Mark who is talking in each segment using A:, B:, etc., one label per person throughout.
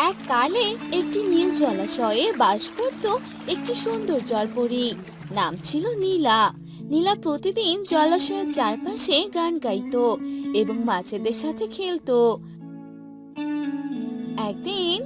A: এককালে একটি নীল জলাশয়ে বাস করত একটি সুন্দর জলপরী। নাম ছিল নীলা। নীলা প্রতিদিন জলাশয়ের চারপাশে গান গাইতো এবং মাছেদের সাথে খেলতো। একদিন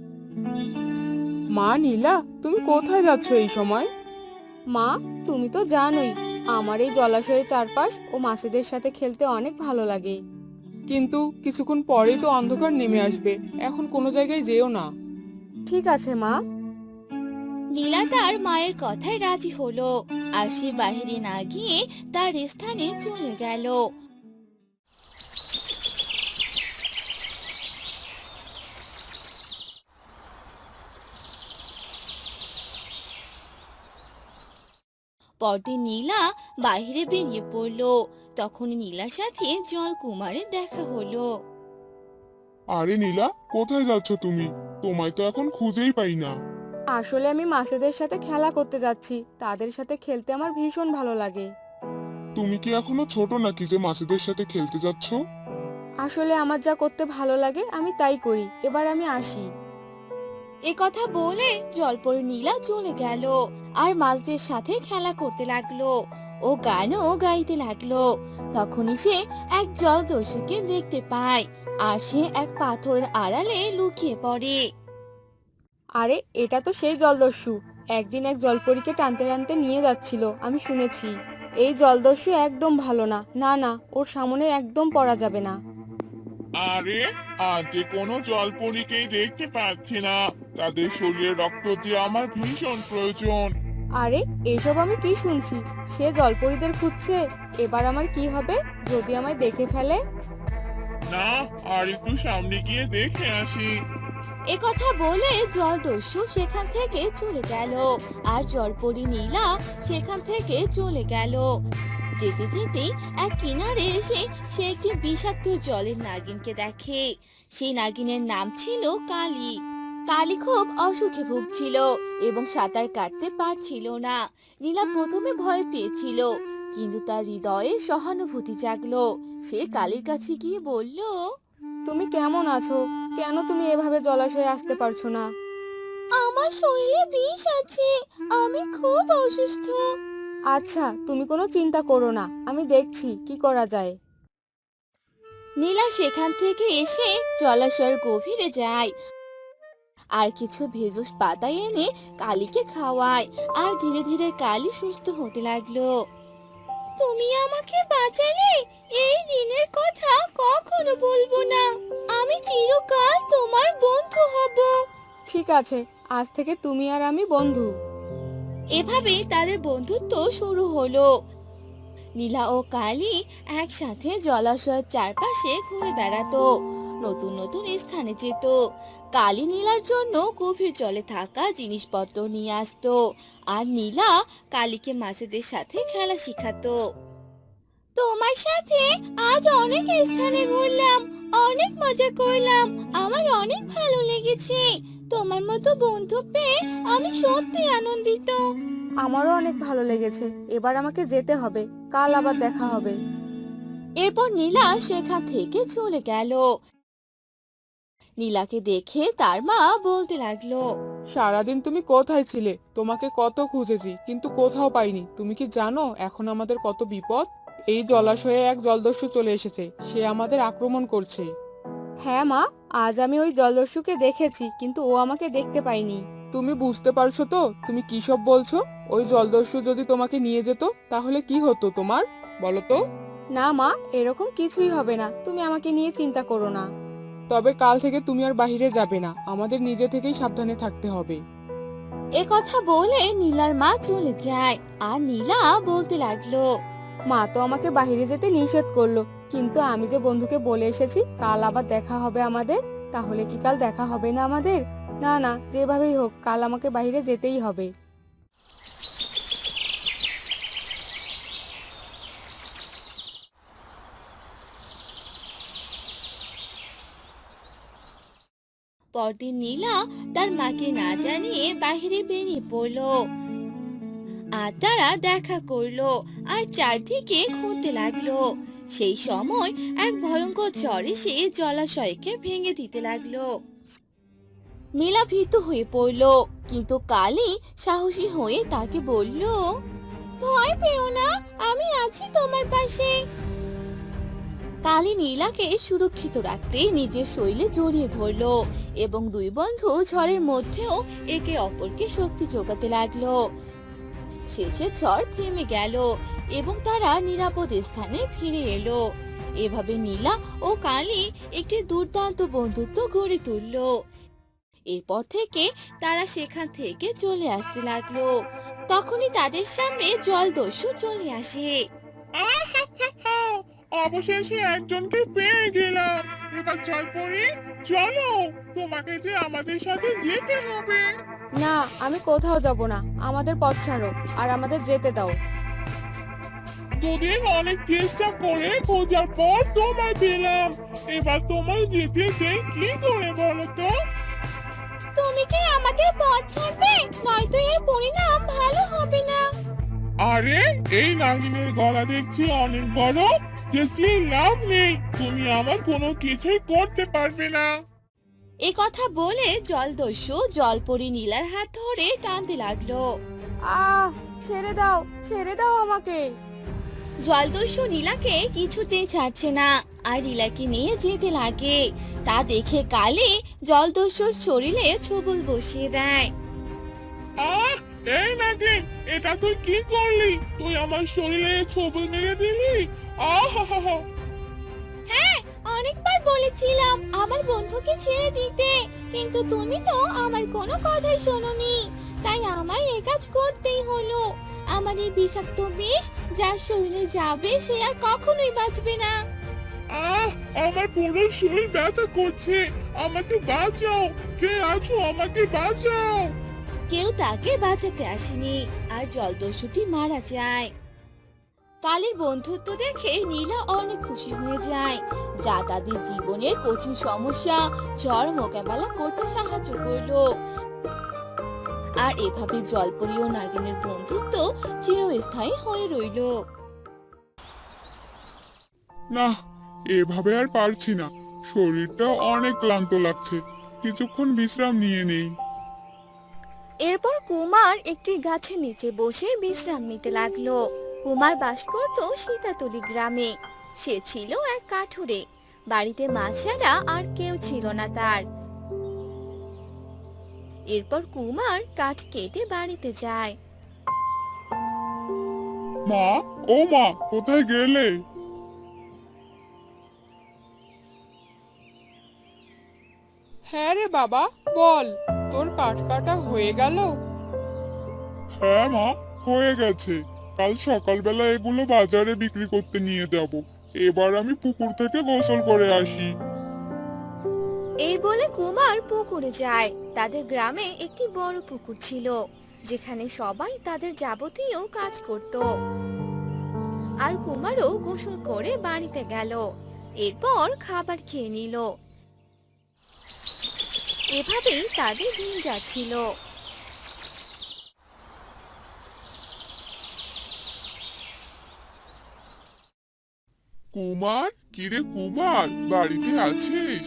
B: মা নীলা, তুমি কোথায় যাচ্ছ এই সময়? মা, তুমি তো জানোই আমার এই জলাশয়ের চারপাশ ও মাছেদের সাথে খেলতে অনেক ভালো লাগে। কিন্তু কিছুক্ষণ পরেই তো অন্ধকার নেমে আসবে, এখন কোনো জায়গায় যেও না। ঠিক আছে মা।
A: নীলা তার মায়ের কথায় রাজি হলো, আর সে বাহিরে না গিয়ে তার স্থানে চলে গেল। পরদিন নীলা বাইরে বেরিয়ে পড়লো। তখন নীলার সাথে জলকুমারের দেখা হলো।
C: আরে নীলা, কোথায় যাচ্ছ তুমি? তোমায় তো এখন খুঁজেই পাই না।
B: আসলে আমি মাছেদের সাথে খেলা করতে যাচ্ছি, তাদের সাথে খেলতে আমার ভীষণ ভালো লাগে।
C: তুমি কি এখনো ছোট নাকি যে মাছেদের সাথে খেলতে যাচ্ছ?
B: আসলে আমার যা করতে ভালো লাগে আমি তাই করি, এবার আমি আসি।
A: এ কথা বলে জলপরি নীলা চলে গেল আর মাছদের সাথে খেলা করতে লাগলো। ও গানও গাইতে লাগলো। তখনই সে এক জলদস্যুকে দেখতে পায়, আর সে এক পাথরের আড়ালে লুকিয়ে পড়ে।
B: আরে এটা তো সেই জলদস্যু, একদিন এক জলপরীকে টানতে টানতে নিয়ে যাচ্ছিল, আমি শুনেছি। এই জলদস্যু একদম ভালো না, না না, ওর সামনে একদম পড়া যাবে না।
C: আরে, আজ যে কোনো জলপরীকেই দেখতে পাচ্ছি না। তাদের শরীরে রক্ত যে আমার ভীষণ প্রয়োজন।
B: আরে এসব আমি কি শুনছি? সে জলপরীদের খুঁজছে। এবার আমার কি হবে যদি আমায় দেখে ফেলে?
C: না, আর একটু সামনে গিয়ে দেখে আসি।
A: এ কথা বলে জলদস্যু সেখান থেকে চলে গেল, আর জলপরি নীলা সেখান থেকে চলে গেল। যেতে যেতে এক কিনারে এসে সে একটি বিষাক্ত জলের নাগিনকে দেখে। সেই নাগিনের নাম ছিল কালী। কালী খুব অসুখে ভুগছিল এবং সাঁতার কাটতে পারছিল না। নীলা প্রথমে ভয় পেয়েছিল, কিন্তু তার হৃদয়ে সহানুভূতি জাগলো। সে কালীর কাছে গিয়ে বলল,
B: তুমি কেমন আছো? কেন তুমি এভাবে জলাশয়ে আসতে পারছো না?
A: আমার শরীরে বিষ আছে, আমি খুব অসুস্থ।
B: আচ্ছা, তুমি কোনো চিন্তা করো না, আমি দেখছি কি করা যায়।
A: নীলা সেখান থেকে এসে জলাশয়ের গভীরে যায় আর কিছু ভেষজ পাতা এনে কালীকে খাওয়ায়। আর ধীরে ধীরে কালী সুস্থ হতে লাগলো। তুমি আমাকে বাঁচালে, এই দিনের কথা কখনো বলবো না। আমি চিরকাল তোমার বন্ধু হব।
B: ঠিক আছে, আজ থেকে তুমি আর আমি বন্ধু।
A: এভাবে তাদের বন্ধুত্ব শুরু হলো। নীলা ও কালী একসাথে জলাশয়ের চারপাশে ঘুরে বেড়াতো, নতুন নতুন স্থানে যেত। কালী নীলার জন্য গভীর জলে থাকা জিনিসপত্র নিয়ে আসতো, আর নীলা কালীকে মাছেদের সাথে খেলা শিখাতো। তোমার সাথে আজ অনেক স্থানে ঘুরলাম, অনেক মজা করলাম, আমার অনেক ভালো লেগেছে। তোমার মতো বন্ধু পেয়ে আমি সত্যি আনন্দিত।
B: আমারও অনেক ভালো লেগেছে, এবার আমাকে যেতে হবে, কাল আবার দেখা হবে।
A: এরপর নীলা সেখান থেকে চলে গেল। নীলাকে দেখে তার মা বলতে লাগলো,
B: সারাদিন তুমি কোথায় ছিলে? তোমাকে কত খুঁজেছি কিন্তু কোথাও পাইনি। তুমি কি জানো এখন আমাদের কত বিপদ? এই জলাশয়ে এক জলদস্যু চলে এসেছে, সে আমাদের আক্রমণ করছে। হ্যাঁ মা, আজ আমি ওই জলদস্যুকে দেখেছি কিন্তু ও আমাকে দেখতে পাইনি। তুমি বুঝতে পারছো তো তুমি কি সব বলছো? ওই জলদস্যু যদি তোমাকে নিয়ে যেত তাহলে কি হতো তোমার, বলো তো? না মা, এরকম কিছুই হবে না, তুমি আমাকে নিয়ে চিন্তা করো না। তবে কাল থেকে তুমি আর বাইরে যাবে না, আমাদের নিজে থেকেই সাবধানে থাকতে হবে।
A: এ কথা বলে নীলার মা চলে যায়। আর নীলা বলতে লাগলো,
B: মা তো আমাকে বাইরে যেতে নিষেধ করলো, কিন্তু আমি যে বন্ধুকে বলে এসেছি কাল আবার দেখা হবে আমাদের। তাহলে কি কাল দেখা হবে না আমাদের? না না, যেভাবেই হোক কাল আমাকে বাইরে যেতেই হবে।
A: পরদিন নীলা তার মাকে না জানিয়ে বাইরে বেরিয়ে পড়লো। আর তারা দেখা করলো আর চারদিকে ঘুরতে লাগলো। সেই সময় এক ভয়ঙ্কর ঝড় এসে জলাশয়কে ভেঙে দিতে লাগলো। নীলা ভীত হয়ে পড়ল, কিন্তু কালী সাহসী হয়ে তাকে বলল, ভয় পেও না, আমি আছি তোমার পাশে। কালী নীলাকে সুরক্ষিত রাখতে নিজের শৈলে জড়িয়ে ধরলো এবং দুই বন্ধু ঝড়ের মধ্যেও একে অপরকে শক্তি যোগাতে লাগলো। শেষে ঝড় থেমে গেল এবং তারা নিরাপদ স্থানে ফিরে এলো। এভাবে নীলা ও কালী একটি দুর্দান্ত বন্ধুত্ব গড়ে তুললো। এরপর থেকে তারা সেখান থেকে চলে আসতে লাগলো। তখনই তাদের সামনে জলদস্যু চলে আসে।
C: আহাহাহা! অবশেষে একজনকে পেয়ে গেলাম। এবার জলপরি, চলো, তোমাকে যে আমাদের সাথে যেতে হবে।
D: না, আমি কোথাও যাব না, আমাদের পথ ছাড়ো আর আমাদের যেতে দাও।
C: দুদিন অনেক চেষ্টা করে খোঁজার পর তোমায় পেলাম। এবার তোমায় যেতে দেই কি করে বলো তো?
A: তুমি কি আমাদের পথ ছাড়বে, নয়তো এর পরিণাম ভালো হবে না।
C: আরে, এই নাগিনের গলা দেখছি অনেক বড়, চেঁচিয়ে লাভ নেই, তুমি আমার কোনো কিছুই করতে পারবে না।
A: এ কথা বলে জলদস্যু জলপরি নীলার হাত ধরে টানতে লাগলো।
D: আহ, ছেড়ে দাও আমাকে।
A: জলদস্যু নীলাকে কিছুতেই ছাড়ছে না আর নীলাকে নিয়ে যেতে লাগে। তা দেখে কালী জলদস্যুর শরীরে ছোবল বসিয়ে দেয়।
C: আহ, এই নাগিন, এটা তুই কি করলি? তুই আমার শরীরে ছোবল মেরে দিলি। আহা!
A: হ্যাঁ, অনেকবার বলেছিলাম আমার বন্ধুকে ছেড়ে দিতে, কিন্তু তুমি তো আমার কোনো কথাই শোনোনি। তাই আমায় এই কাজ করতেই হলো। আমার এই বিষাক্ত বিষ যার শরীরে যাবে সে আর কখনোই বাঁচবে না।
C: আমার পুরো শরীর ব্যথা করছে, আমাকে বাঁচাও। কে আছো, আমাকে বাঁচাও।
A: কেউ তাকে বাঁচাতে আসেনি আর জলদস্যুটি মারা যায়। কালীর বন্ধুত্ব দেখে নীলা অনেক খুশি হয়ে যায়, যা তাদের জীবনের কঠিন সমস্যা ঝড় মোকাবেলা করতে সাহায্য করলো। আর এভাবে জলপরি ও নাগিনের বন্ধুত্ব চিরস্থায়ী হয়ে রইল।
C: না, এভাবে আর পারছি না, শরীরটা অনেক ক্লান্ত লাগছে, কিছুক্ষণ বিশ্রাম নিয়ে নেই।
A: এরপর কুমার একটি গাছের নিচে বসে বিশ্রাম নিতে লাগলো। কুমার বাস করত সীতাতলি গ্রামে। সে ছিল এক কাঠুরে, বাড়িতে মা ছাড়া আর কেউ ছিল না তার। এরপর কুমার কাঠ কেটে বাড়িতে যায়।
C: মা, ও মা, কোথায় গেলে?
B: হ্যাঁ রে বাবা, বল, তোর কাঠ কাটা হয়ে গেল?
C: হ্যাঁ মা, হয়ে গেছে। কাল সকালবেলা এগুলো বাজারে বিক্রি করতে নিয়ে যাব। এবার আমি পুকুর থেকে গোসল করে আসি।
A: এই বলে কুমার পুকুরে যায়। তাদের গ্রামে একটি বড় পুকুর ছিল, যেখানে সবাই তাদের যাবতীয় কাজ করত। আর কুমারও গোসল করে বাড়িতে গেল। এরপর খাবার খেয়ে নিল। এভাবেই তাদের দিন যাচ্ছিল।
C: কুমার, কিরে কুমার, বাড়িতে আছিস?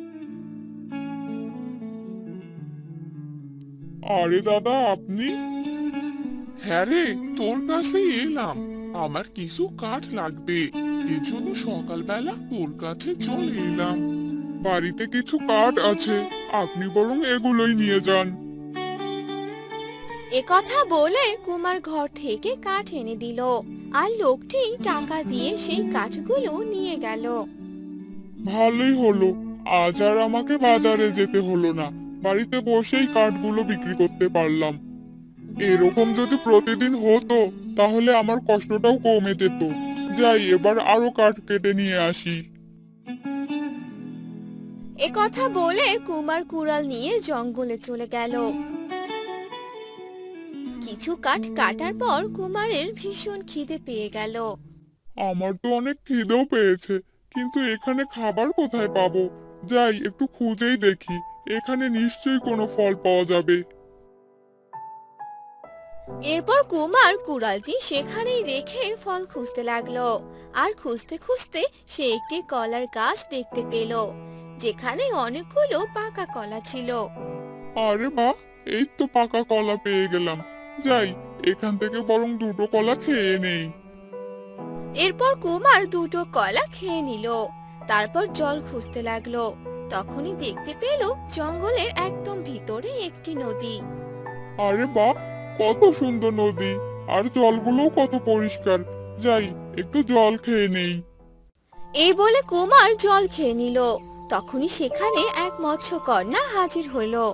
C: আরে দাদা, আপনি? হ্যাঁ রে, তোর কাছেই এলাম। আমার কিছু কাঠ লাগবে, এজন্য সকালবেলা তোর কাছে চলে এলাম। বাড়িতে কিছু কাঠ আছে, আপনি বরং এগুলোই নিয়ে যান।
A: এ কথা বলে কুমার ঘর থেকে কাঠ এনে দিল, আর লোকটি টাকা দিয়ে সেই কাঠগুলো নিয়ে গেল।
C: ভালোই হলো, আজ আর আমাকে বাজারে যেতে হলো না, বাড়িতে বসেই কাঠগুলো বিক্রি করতে পারলাম। এরকম যদি প্রতিদিন হতো তাহলে আমার কষ্টটাও কমে যেত। যাই, এবার আরো কাঠ কেটে নিয়ে আসি।
A: এ কথা বলে কুমার কুড়াল নিয়ে জঙ্গলে চলে গেল। কিছু কাঠ কাটার পর কুমারের ভীষণ খিদে পেয়ে গেল।
C: আমার তো অনেক খিদেও পেয়েছে, কিন্তু এখানে খাবার কোথায় পাবো? যাই, একটু খুঁজেই দেখি, এখানে নিশ্চয়ই কোনো ফল পাওয়া যাবে।
A: এরপর কুমার কুড়ালটি সেখানেই রেখে ফল খুঁজতে লাগলো। আর খুঁজতে খুঁজতে সে একটি কলার গাছ দেখতে পেল, যেখানে অনেকগুলো পাকা কলা ছিল।
C: আরে বাহ, এই তো পাকা কলা পেয়ে গেলাম। যাই, এখান থেকে বরং দুটো কলা খেয়ে নেই।
A: এরপর কুমার দুটো কলা খেয়ে নিল। তারপর জল খুঁজতে লাগলো। তখনই দেখতে পেল জঙ্গলের একদম ভিতরে একটি নদী।
C: আরে বাহ, কত সুন্দর নদী, আর জলগুলোও কত পরিষ্কার। যাই, একটু জল খেয়ে নেই।
A: এই বলে কুমার জল খেয়ে নিল। তখনই সেখানে এক মৎস্যকন্যা হাজির হলো।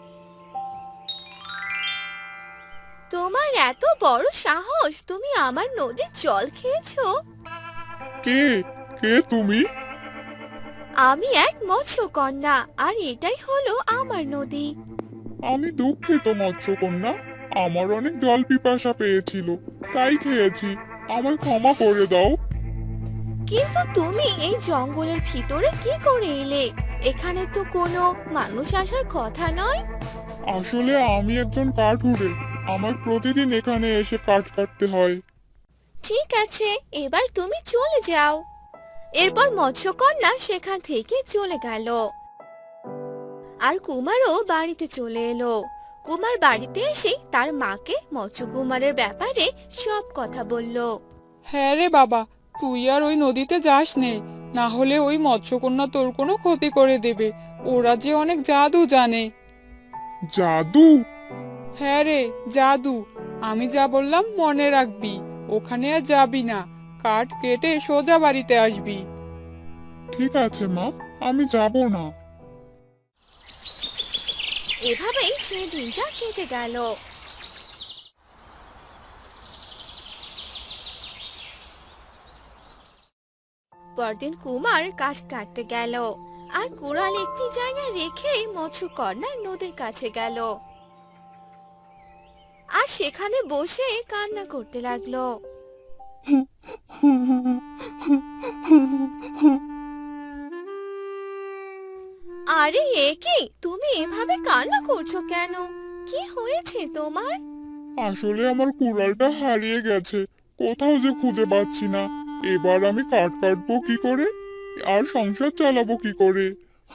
A: তোমার এত বড় সাহস, তুমি আমার নদীর জল খেয়েছো?
C: কে কে তুমি?
A: আমি এক মৎস্যকন্যা, আর এটাই হলো আমার নদী।
C: আমি দুঃখিত মৎস্যকন্যা, আমার অনেক জল পিপাসা পেয়েছিল, তাই খেয়েছি। আমায় ক্ষমা করে দাও।
A: কিন্তু তুমি এই জঙ্গলের ভিতরে কি করে এলে? এখানে তো কোনো মানুষ আসার কথা নয়।
C: আসলে আমি একজন কাঠুরে, আমার প্রতিদিন এখানে এসে কাঠ কাটতে হয়।
A: ঠিক আছে, এবার তুমি চলে যাও। এরপর মৎস্যকন্যা সেখান থেকে চলে গেল। আর কুমারও বাড়িতে চলে এলো। কুমার বাড়িতে এসে তার মাকে মৎস্যকুমারের ব্যাপারে সব কথা বলল।
B: হ্যাঁ রে বাবা, তুই আর ওই নদীতে যাস নে, না হলে ওই মৎস্যকন্যা তোর কোনো ক্ষতি করে দেবে। ওরা যে অনেক জাদু জানে।
C: জাদু?
B: হ্যাঁ রে, জাদু। আমি যা বললাম মনে রাখবি। ওখানে আর যাবি না, কাঠ কেটে সোজা বাড়িতে আসবি।
C: ঠিক আছে মা, আমি যাব না।
A: এভাবেই সে দিনটা কেটে গেল। পরদিন কুমার কাঠ কাটতে গেল, আর কুড়াল একটি জায়গায় রেখে মৎস্যকন্যা নদীর কাছে গেল, আর সেখানে বসে কান্না করতে লাগলো। আরে এ কি, তুমি এভাবে কান্না করছো কেন? কি হয়েছে তোমার?
C: আসলে আমার কুড়ালটা হারিয়ে গেছে, কোথাও যে খুঁজে পাচ্ছি না। এবার আমি কাঠ কাটবো কি করে, আর সংসার চালাবো কি করে?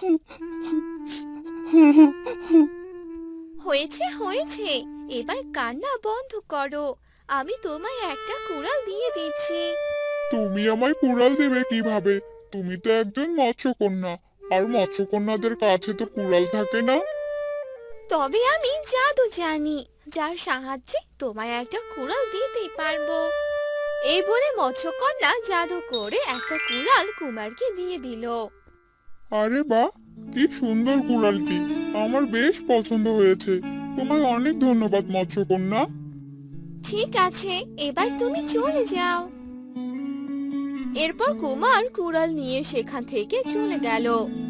A: হয়েছে হয়েছে, এবার কান্না বন্ধ করো। আমি তোমায় একটা কুড়াল দিয়ে দিচ্ছি।
C: তুমি আমায় কুড়াল দেবে কিভাবে? তুমি তো একজন মৎস্যকন্যা, আর মৎস্যকন্যাদের কাছে তো কুড়াল থাকে না।
A: তবে আমি জাদু জানি, যার সাহায্যে তোমায় একটা কুড়াল দিতে পারবো। এই বলে মৎস্যকন্যা জাদু করে একটা কুড়াল কুমারকে দিয়ে দিল।
C: আরে বাহ, কি সুন্দর কুড়ালটি, আমার বেশ পছন্দ হয়েছে। তোমায় অনেক ধন্যবাদ মৎস্যকন্যা।
A: ঠিক আছে, এবার তুমি চলে যাও। এরপর কুমার কুড়াল নিয়ে সেখান থেকে চলে গেল।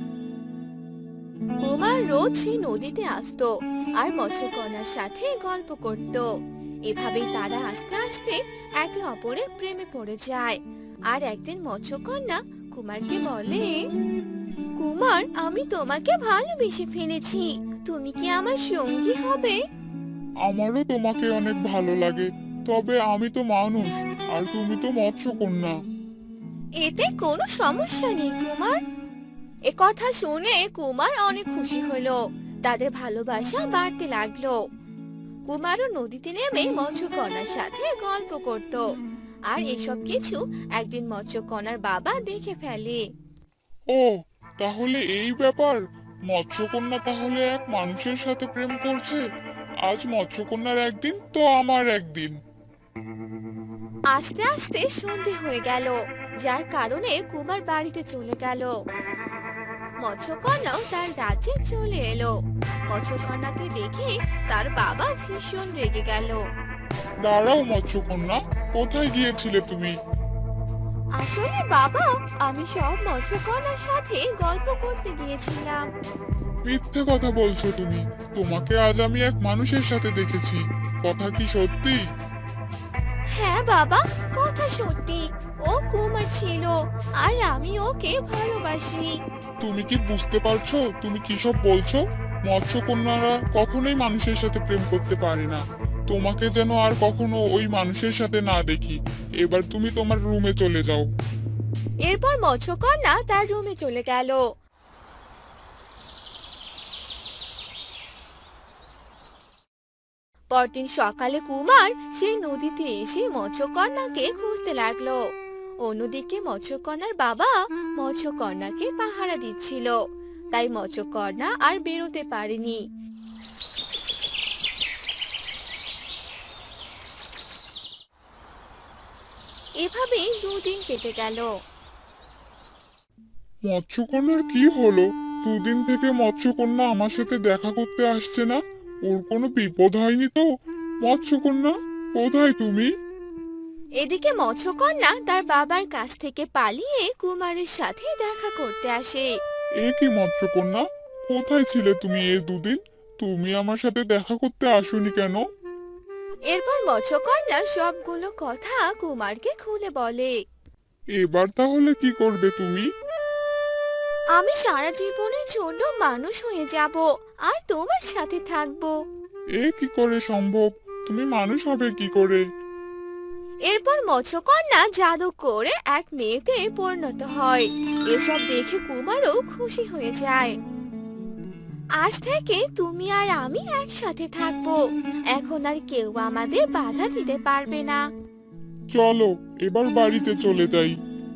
A: কুমার রোজ সেই নদীতে আসতো আর মৎস্যকন্যার সাথে গল্প করত। এভাবেই তারা আস্তে আস্তে একে অপরের প্রেমে পড়ে যায়। আর একদিন মৎস্যকন্যা কুমারকে বলে, কুমার, আমি তোমাকে ভালোবেসে ফেলেছি, তুমি কি আমার সঙ্গী হবে?
C: আমারও তোমাকে অনেক ভালো লাগে, তবে আমি তো মানুষ, আর তুমি তো মৎস্যকন্যা।
A: এতে কোনো সমস্যা নেই কুমার। এ কথা শুনে কুমার অনেক খুশি হলো। তাদের ভালোবাসা বাড়তে লাগলো। কুমারও নদীতে নেমে মৎস্যকন্যার সাথে গল্প করত। আর এসব কিছু একদিন মৎস্যকন্যার বাবা দেখে ফেলে।
C: ও, তাহলে এই ব্যাপার। মৎস্যকন্যা তাহলে এক মানুষের সাথে প্রেম করছে। আজ মৎস্যকন্যার একদিন তো আমার একদিন।
A: আস্তে আস্তে সন্ধে হয়ে গেল, যার কারণে কুমার বাড়িতে চলে গেল। মৎস্যকন্যাও তার রাজ্যে চলে এলো। মৎস্যকন্যাকে দেখে তার বাবা ভীষণ রেগে গেল।
C: দাঁড়াও মৎস্যকন্যা, কোথায় গিয়েছিলে তুমি?
A: আসলে বাবা, আমি সব মৎস্যকন্যার সাথে গল্প করতে গিয়েছিলাম।
C: মিথ্যে কথা বলছো তুমি। তোমাকে আজ আমি এক মানুষের সাথে দেখেছি। কথা কি সত্যি?
A: হ্যাঁ বাবা, কথা সত্যি। ও কুমার ছিল, আর আমি ওকে ভালোবাসি।
C: তুমি কি বুঝতে পারছো তুমি কি সব বলছো? মৎস্যকন্যারা কখনোই মানুষের সাথে প্রেম করতে পারে না। তোমাকে যেন আর কখনো ওই মানুষের সাথে না দেখি। এবার তুমি তোমার রুমে চলে যাও।
A: এরপর মৎস্যকন্যা তার রুমে চলে গেল। পরদিন সকালে কুমার সেই নদীতে এসে মৎস্যকন্যাকে খুঁজতে লাগলো। অন্যদিকে মৎস্যকন্যার বাবা মৎস্যকন্যাকে পাহারা দিচ্ছিল, তাই মৎস্যকন্যা আর বেরোতে পারেনি। এভাবেই 2 দিন কেটে গেল।
C: মৎস্যকন্যার কি হলো? দুদিন থেকে মৎস্যকন্যা আমার সাথে দেখা করতে আসছে না। ওর কোনো বিপদ হয়নি তো? মৎস্যকন্যা, কোথায় তুমি?
A: এদিকে মৎস্যকন্যা তার বাবার কাছ থেকে পালিয়ে কুমারের সাথে দেখা করতে আসে।
C: এ কি মৎস্যকন্যা, কোথায় ছিলে তুমি এই 2 দিন? তুমি আমার সাথে দেখা করতে আসোনি কেন?
A: এরপর মৎস্যকন্যা সবগুলো কথা কুমারকে খুলে বলে।
C: এবার তাহলে কি করবে তুমি?
A: আমি সারা জীবনের জন্য মানুষ হয়ে যাব আর তোমার সাথে থাকবো।
C: এ কি করে সম্ভব? তুমি মানুষ হবে কি করে?
A: এরপর মৎস্যকন্যা জাদু করে এক মেয়েতে পরিণত হয়। এসব দেখে কুমারও খুশি হয়ে যায়। আজ থেকে তুমি আর আমি একসাথে থাকবো। এখন আর কেউ আমাদের বাধা দিতে পারবে না।
C: চলো এবার বাড়িতে চলে যাই।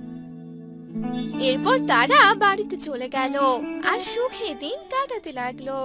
A: এরপর তারা বাড়িতে চলে গেল আর সুখে দিন কাটাতে লাগলো।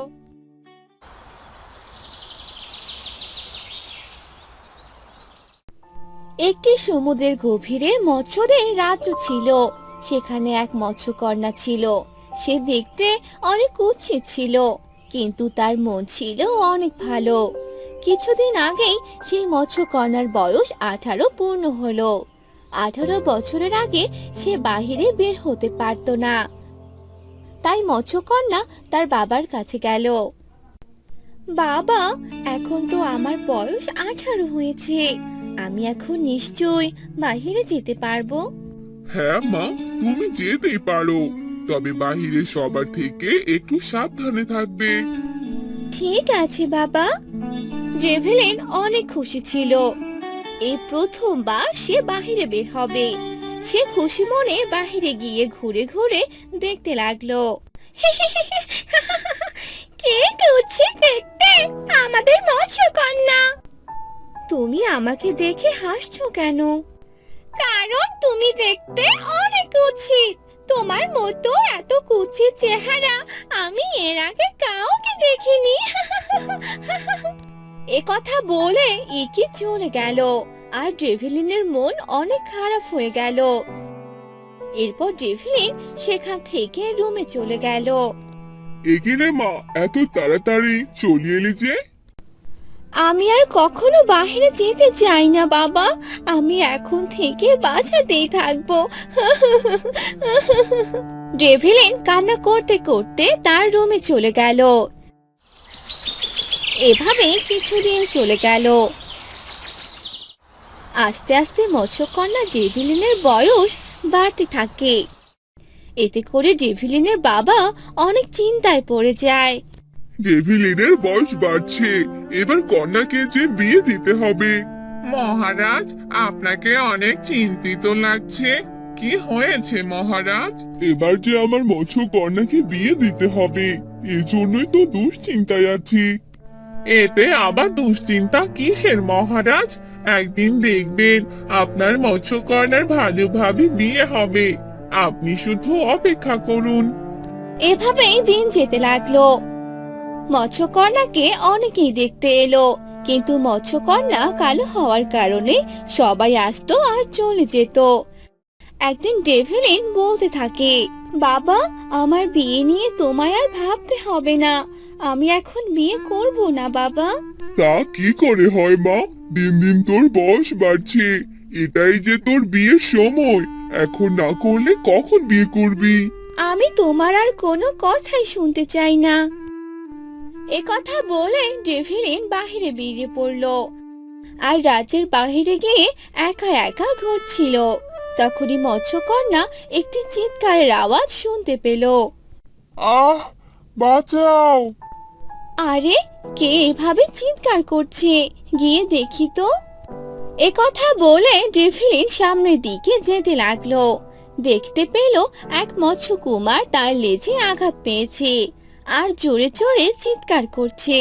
A: একটি সমুদ্রের গভীরে মৎস্যদের রাজ্য ছিল। সেখানে এক মৎস্যকন্যা ছিল। সে দেখতে অনেক কুৎসিত ছিল, কিন্তু তার মন ছিল অনেক ভালো। কিছুদিন আগেই সেই মৎস্যকন্যার বয়স 18 পূর্ণ হলো। 18 বছরের আগে সে বাহিরে বের হতে পারত না। তাই মৎস্যকন্যা তার বাবার কাছে গেল। বাবা, এখন তো আমার বয়স 18 হয়েছে। আমি এখন নিশ্চয়ই বাহিরে যেতে পারবো।
C: হ্যাঁ মা, তুমি যেতেই পারো, তবে বাহিরে সবার থেকে একটু সাবধানে থাকবে।
A: ঠিক আছে বাবা। ডেভেলিন অনেক খুশি ছিল। এই প্রথমবার সে বাহিরে বের হবে। সে খুশি মনে বাহিরে গিয়ে ঘুরে ঘুরে দেখতে লাগলো। কে কুৎসিত দেখতে, আমাদের মৎস্যকন্যা। তুমি আমাকে দেখে হাসছো কেন? কারণ তুমি দেখতে অনেক কুৎসিত। তোমার মতো এত কুৎসিত চেহারা আমি এর আগে কাউকে দেখিনি। এ কথা বলে ইকি চলে গেল আর ডেভিলিনের মন অনেক খারাপ হয়ে গেল। এরপর ডেভিলিন সেখান থেকে রুমে চলে গেল।
C: এগিয়ে মা, এত তাড়াতাড়ি চলে এলি যে?
A: আমি আর কখনো বাইরে যেতে চাই না বাবা। আমি এখন থেকে বাসাতেই থাকবো। ডেভিলিন কান্না করতে করতে তার রুমে চলে গেল। এভাবে কিছুদিন চলে গেল। আস্তে আস্তে মৎস্যকন্যা ডেভিলিনের বয়স বাড়তে থাকে। এতে করে ডেভিলিনের বাবা অনেক চিন্তায় পড়ে যায়।
C: ডেভিলিনের বয়স বাড়ছে, এবার কন্যাকে যে বিয়ে দিতে হবে। মহারাজ, আপনাকে অনেক চিন্তিত লাগছে। কি হয়েছে মহারাজ? এবার যে আমার মৎস্য কন্যাকে বিয়ে দিতে হবে, এজন্যই তো দুশ্চিন্তায় আছি। এতে আবার দুশ্চিন্তা কিসের মহারাজ? একদিন দেখবেন আপনার মৎস্যকন্যার ভালোভাবে বিয়ে হবে। আপনি শুধু অপেক্ষা করুন।
A: এভাবেই দিন যেতে লাগলো। মৎস্যকন্যাকে অনেকেই দেখতে এলো, কিন্তু মৎস্যকন্যা কালো হওয়ার কারণে সবাই আসতো আর চলে যেত। একদিন ডেভিলিন বলতে থাকে, বাবা, আমার বিয়ে নিয়ে তোমায় আর ভাবতে হবে না। আমি এখন বিয়ে করব না বাবা।
C: তা কি করে হয় মা? দিন দিন তোর বয়স বাড়ছে, এটাই যে তোর বিয়ের সময়। এখন না করলে কখন বিয়ে করবি?
A: আমি তোমার আর কোনো কথাই শুনতে চাই না। এ কথা বলে ডেভিলিন বাহিরে বেরিয়ে পড়ল আর রাজ্যের বাহিরে গিয়ে একা একা ঘুরছিল। তখনই মৎস্যকন্যা একটি চিৎকারের আওয়াজ শুনতে পেল।
C: আহ, বাঁচাও!
A: আরে, কে এভাবে চিৎকার করছে? গিয়ে দেখি তো। এ কথা বলে ডেভিলিন সামনের দিকে যেতে লাগলো। দেখতে পেল এক মৎস্যকুমার তার লেজে আঘাত পেয়েছে আর জোরে জোরে চিৎকার করছে।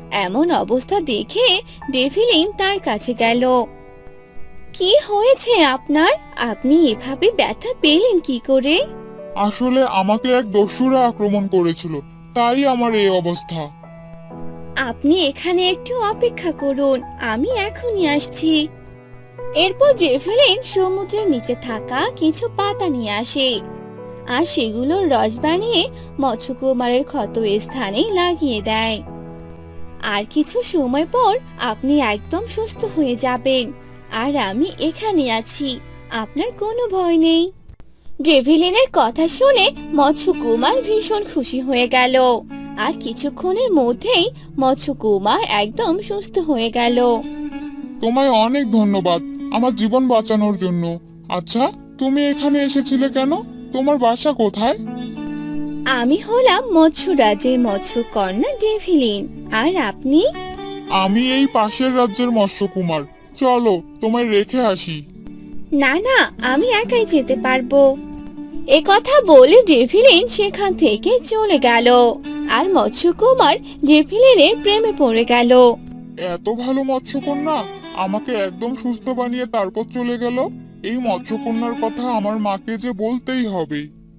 A: এমন অবস্থা দেখে ডেভিলিন তার কাছে গেল। কি হয়েছে আপনার? আপনি এভাবে ব্যথা পেলেন কি করে?
C: আসলে আমাকে এক দস্যুরা আক্রমণ করেছিল, তাই আমার এই অবস্থা।
A: আপনি এখানে একটু অপেক্ষা করুন, আমি এখনই আসছি। এরপর ডেভিলিন সমুদ্রের নিচে থাকা কিছু পাতা নিয়ে আসে আর সেগুলোর রস বানিয়ে মৎস্যকুমারের ক্ষত স্থানে লাগিয়ে দেয়। আর কিছু সময় পর আপনি একদম সুস্থ হয়ে যাবেন, আর আমি এখানে আছি, আপনার কোনো ভয় নেই। ডেভিলিনের কথা শুনে মৎস্যকুমার ভীষণ খুশি হয়ে গেল, আর কিছুক্ষণের মধ্যেই মৎস্যকুমার একদম সুস্থ হয়ে গেল।
C: তোমায় অনেক ধন্যবাদ আমার জীবন বাঁচানোর জন্য। আচ্ছা, তুমি এখানে এসেছিলে কেন? তোমার বাসা কোথায়?
A: আমি হলাম মৎস্য রাজ্যের মৎস্যকন্যা ডেভিলিন। আর আপনি?
C: আমি এই পাশের রাজ্যের মৎস্যকুমার। চলো তোমায় রেখে আসি।
A: না না, আমি একাই যেতে পারবো। এ কথা বলে ডেভিলিন সেখান থেকে চলে গেল, আর মৎস্যকুমার ডেভিলিনের প্রেমে পড়ে গেল।
C: এত ভালো মৎস্যকন্যা আমাকে একদম সুস্থ বানিয়ে তারপর চলে গেল। এই মৎস্যকন্যার কথা আমার মাকে যে বলতেই হবে।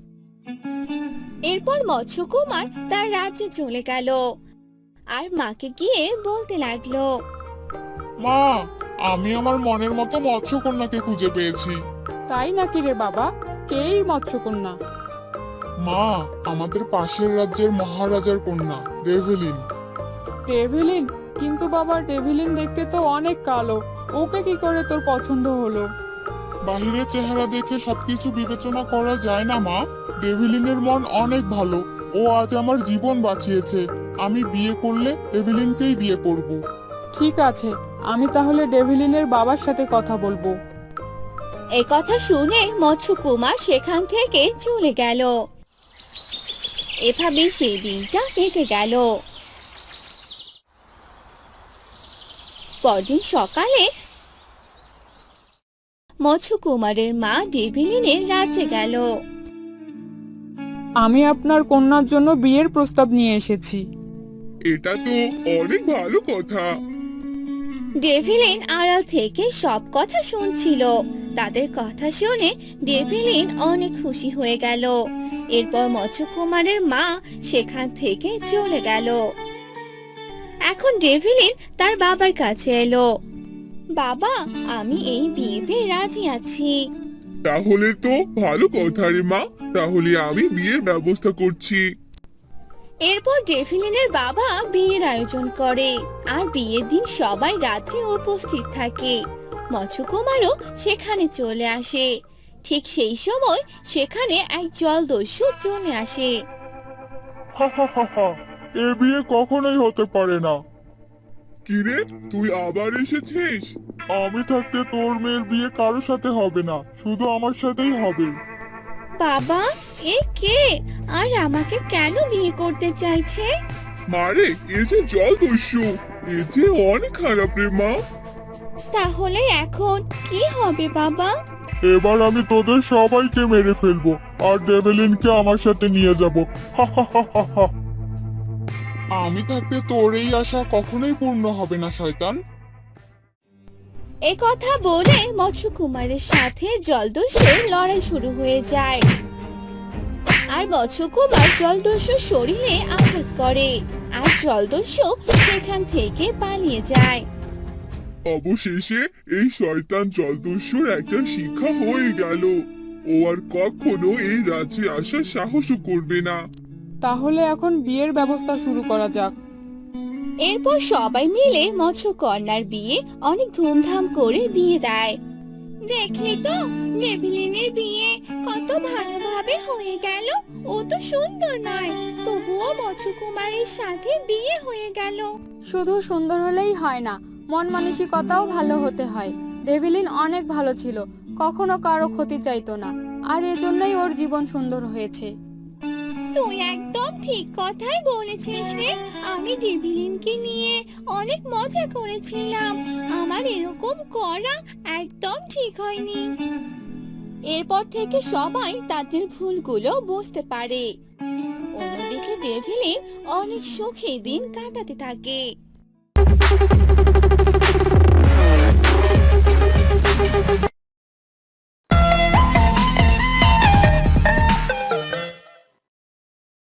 A: এরপর মৎস্যকুমার তার রাজ্যে চলে গেল আর মাকে গিয়ে বলতে লাগলো,
C: মা, আমি আমার মনের মতো মৎস্যকন্যাকে খুঁজে পেয়েছি।
B: তাই নাকি রে বাবা? কেই মৎস্যকন্যা?
C: মা, আমাদের পাশের রাজ্যের মহারাজার কন্যা রেভেলিন।
B: ডেভিলিন? কিন্তু বাবা, ডেভিলিন দেখতে তো অনেক কালো, ওকে কি করে তোর পছন্দ হলো?
C: বাহিরের চেহারা দেখে সবকিছু বিবেচনা করা যায় না মা। ডেভিলিনের মন অনেক ভালো, ও আজ আমার জীবন বাঁচিয়েছে। আমি বিয়ে করলে ডেভিলিনকেই বিয়ে করব।
B: ঠিক আছে, আমি তাহলে ডেভিলিনের বাবার সাথে কথা বলবো।
A: এই কথা শুনে মৎস্যকুমার সেখান থেকে চলে গেল। এভাবে সেই দিনটা কেটে গেল। পরদিন সকালে মৎস্যকুমারের মা ডেভিলিনের রাজ্যে গেল।
B: আমি আপনার কন্যার জন্য বিয়ের প্রস্তাব নিয়ে এসেছি।
C: এটা তো অনেক ভালো কথা।
A: ডেভিলিন আড়াল থেকে সব কথা শুনছিল। তাদের কথা শুনে ডেভিলিন অনেক খুশি হয়ে গেল। এরপর মৎস্যকুমারের মা সেখান থেকে চলে গেল। এখন ডেভিলিন তার বাবার কাছে এলো। বাবা, আমি এই বিয়েতে রাজি আছি।
C: তাহলে তো ভালো কথা রে মা, তাহলে আমি বিয়ের ব্যবস্থা করছি।
A: এরপর ডেভিলিনের বাবা বিয়ের আয়োজন করে, আর বিয়ের দিন সবাই রাজ্যে উপস্থিত থাকে। মৎস্যকুমারও সেখানে চলে আসে। ঠিক সেই সময় সেখানে এক জলদস্যু চলে আসে।
C: হা হা হা হা, এ বিয়ে কখনোই হতে পারে না। কিরে, তুই আবার এসেছিস? আমি থাকতে তোর মেয়ের বিয়ে কারোর সাথে হবে না, শুধু আমার সাথেই হবে।
A: বাবা, এ কে? আর আমাকে কেন বিয়ে করতে চাইছে?
C: মারে, এ যে জলদস্যু, এ যে অনেক খারাপ রে মা।
A: তাহলে এখন কি হবে বাবা?
C: এবার আমি তোদের সবাইকে মেরে ফেলবো, আর ডেভেলিনকে আমার সাথে নিয়ে যাব। হা হা হা হা হা। আমি থাকতে তোর এই আশা কখনোই পূর্ণ হবে না শয়তান।
A: এ কথা বলে মৎস্যকুমারের সাথে জলদস্যুর লড়াই শুরু হয়ে যায়, আর মৎস্যকুমার জলদস্যুর শরীরে আঘাত করে, আর জলদস্যু সেখান থেকে পালিয়ে যায়।
C: অবশেষে এই শয়তান জলদস্যুর একটা শিক্ষা হয়ে গেল। ও আর কখনো এই রাজ্যে আসার সাহসও করবে না।
B: তাহলে এখন বিয়ের ব্যবস্থা শুরু করা যাক।
A: এরপর সবাই মিলে মৎস্যকন্যার বিয়ে অনেক ধুমধাম করে দিয়ে দেয়। দেখলি তো, ডেভিলিনের বিয়ে কত ভালোভাবে হয়ে গেল। ও তো সুন্দর নয়, তবুও মৎস্যকুমারের সাথে বিয়ে হয়ে গেল।
D: শুধু সুন্দর হলেই হয় না, মন মানসিকতাও ভালো হতে হয়। ডেভিলিন অনেক ভালো ছিল, কখনো কারো ক্ষতি চাইতো না, আর এজন্যই ওর জীবন সুন্দর হয়েছে।
A: তুই একদম ঠিক কথাই বলেছিস রে। আমি ডেভিলিনকে নিয়ে অনেক মজা করেছিলাম। আমার এরকম করা একদম ঠিক হয়নি। এরপর থেকে সবাই তাদের ভুলগুলো বুঝতে পারে। অন্যদিকে ডেভিলিন অনেক সুখে দিন কাটাতে থাকে।